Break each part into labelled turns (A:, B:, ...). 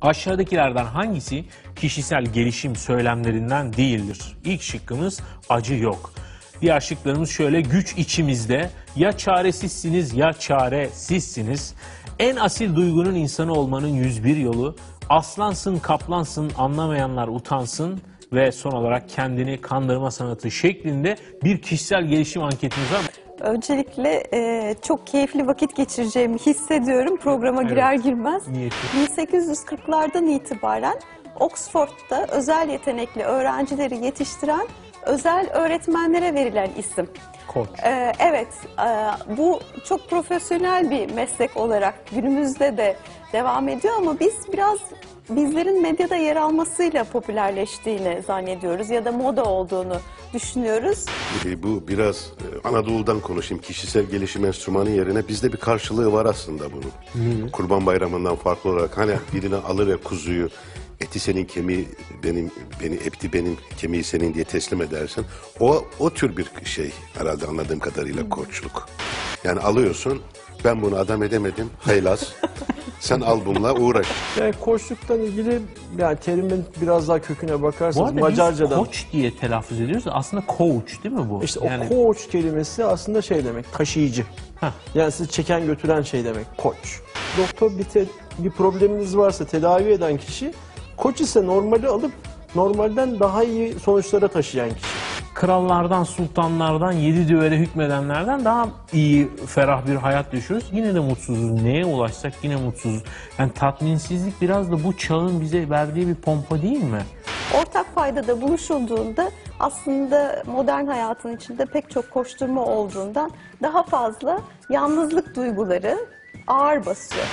A: Aşağıdakilerden hangisi kişisel gelişim söylemlerinden değildir? İlk şıkkımız acı yok. Diğer şıklarımız şöyle: güç içimizde, ya çaresizsiniz ya çaresizsiniz. En asil duygunun insanı olmanın 101 yolu, aslansın kaplansın anlamayanlar utansın ve son olarak kendini kandırma sanatı şeklinde bir kişisel gelişim anketimiz var.
B: Öncelikle çok keyifli vakit geçireceğimi hissediyorum programa girer girmez.
A: Niyeti.
B: 1840'lardan itibaren Oxford'da özel yetenekli öğrencileri yetiştiren özel öğretmenlere verilen isim.
A: Koç.
B: Evet, bu çok profesyonel bir meslek olarak günümüzde de devam ediyor ama biz biraz bizlerin medyada yer almasıyla popülerleştiğini zannediyoruz ya da moda olduğunu düşünüyoruz.
C: Bu biraz Anadolu'dan konuşayım. Kişisel gelişim enstrümanı yerine bizde bir karşılığı var aslında bunun. Kurban Bayramı'ndan farklı olarak hani birini alır ya kuzuyu, eti senin kemiği benim, eti benim kemiği senin diye teslim edersin. O tür bir şey herhalde anladığım kadarıyla koçluk. Yani alıyorsun, ben bunu adam edemedim, haylaz. Sen al bununla uğraş.
D: Yani koçluktan ilgili yani terimin biraz daha köküne
A: Bu
D: bakarsanız
A: arada
D: Macarca'dan.
A: biz koç diye telaffuz ediyoruz. Aslında coach değil mi bu?
D: İşte
A: yani...
D: o koç kelimesi aslında şey demek, taşıyıcı.
A: Heh.
D: Yani sizi çeken götüren şey demek, koç. Doktor bir probleminiz varsa tedavi eden kişi, koç ise normali alıp normalden daha iyi sonuçlara taşıyan kişi.
A: Krallardan, sultanlardan, 7 düvele hükmedenlerden daha iyi, ferah bir hayat yaşıyoruz. Yine de mutsuzuz. Neye ulaşsak yine mutsuzuz. Yani tatminsizlik biraz da bu çağın bize verdiği bir pompa değil mi?
B: Ortak paydada buluşulduğunda aslında modern hayatın içinde pek çok koşturma olduğundan daha fazla yalnızlık duyguları ağır basıyor.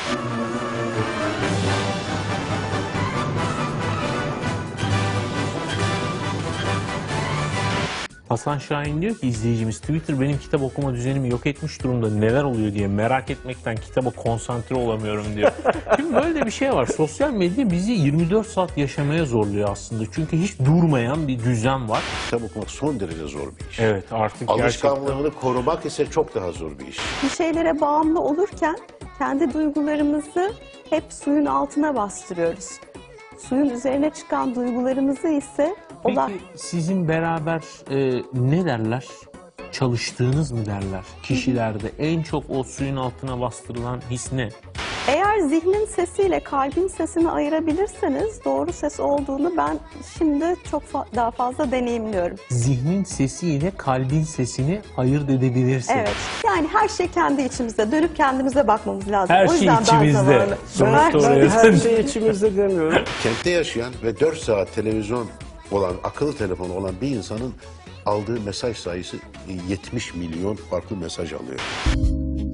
A: Hasan Şahin diyor ki izleyicimiz, Twitter benim kitap okuma düzenimi yok etmiş durumda, neler oluyor diye merak etmekten kitaba konsantre olamıyorum diyor. Şimdi böyle de bir şey var. Sosyal medya bizi 24 saat yaşamaya zorluyor aslında. Çünkü hiç durmayan bir düzen var.
C: Kitap okumak son derece zor bir iş.
A: Evet, artık
C: Alışkanlığını korumak ise çok daha zor bir iş.
B: Bir şeylere bağımlı olurken kendi duygularımızı hep suyun altına bastırıyoruz. Suyun üzerine çıkan duygularımızı ise
A: Peki sizin beraber ne derler? Çalıştığınız mı derler? Kişilerde en çok o suyun altına bastırılan his ne?
B: eğer zihnin sesiyle kalbin sesini ayırabilirseniz doğru ses olduğunu ben şimdi çok daha fazla deneyimliyorum.
A: Zihnin sesiyle kalbin sesini ayırt edebilirsin.
B: Evet. Yani her şey kendi içimizde. Dönüp kendimize bakmamız lazım.
A: Her
B: O
A: şey
B: yüzden
A: içimizde. Sonuçta oraya
D: Her şey içimizde demiyorum.
C: Kentte yaşayan ve 4 saat televizyon olan, akıllı telefonu olan bir insanın aldığı mesaj sayısı 70 milyon farklı mesaj alıyor.